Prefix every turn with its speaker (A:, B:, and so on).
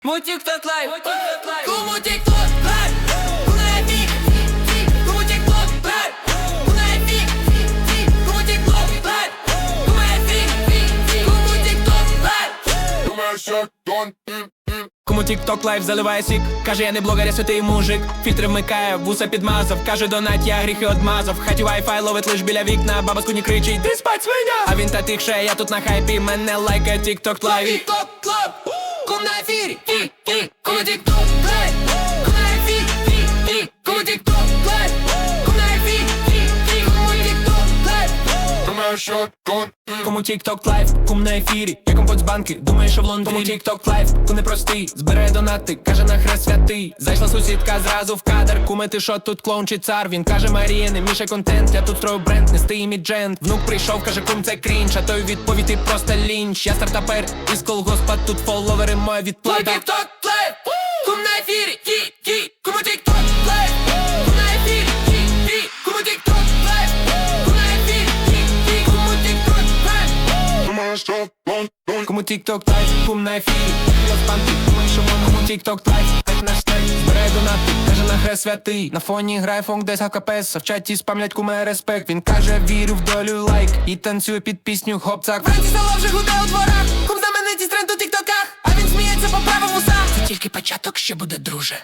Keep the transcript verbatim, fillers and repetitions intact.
A: Кому тік-ток лайв, кому тік-ток лайв, кому ефік, кому тік-ток лайв, кому ефік, кому тік-ток лайв, кому ефік, кому тік-ток лайв. Кому тік-ток лайв заливає сік, каже я не блогер, я святий мужик. Фільтри вмикає, вуса підмазав, каже донать, я гріхи одмазав. В хаті вайфай ловить лиш біля вікна, баба з куні кричить, де спать свиня? А він та тихше, я тут на хайпі, мене лайкає тік-ток лайв. Тік-ток лайв, кому на ефірі, кому тік-ток лайв, кому на ефірі, кому тік-ток лайв, кому на ефірі, кому тік-ток лайв. Кому тік-ток лайв, кум на ефірі, я компот з банки, думає, що в Лондоні. Кому тік-ток лайв, ку не простий, збирає донати, каже на хрест святий. Зайшла сусідка зразу в кадр, куме ти шо тут клоун чи цар? Він каже Марія, не мішай контент, я тут строю бренд, нести іміджент. Внук прийшов, каже кум це крінж, а той відповідь ти просто лінч. Я стартапер із колгоспа, тут фоловери, моя відплата. Кому тік-ток лайв, кум на ефірі, кому тік-ток лайв, кум на ефірі, кому тік-ток лайв, кум на ефірі, кому тік-ток лайв. Кому тік-ток лайв, кум на ефірі, я в панки, думаю, що воно. Кому тік-ток лайв, так наш трек, збирає донати, каже на хрест святий. На фоні грає фонк десь ГКПС, а в чаті спамлять куме респект. Він каже вірю в долю лайк, і танцює під пісню хоп-цак. Вранці село вже гуде у дворах, кум знаменитість тренд у тіктоках, а він сміється по правому сам. Це тільки початок, ще буде, друже.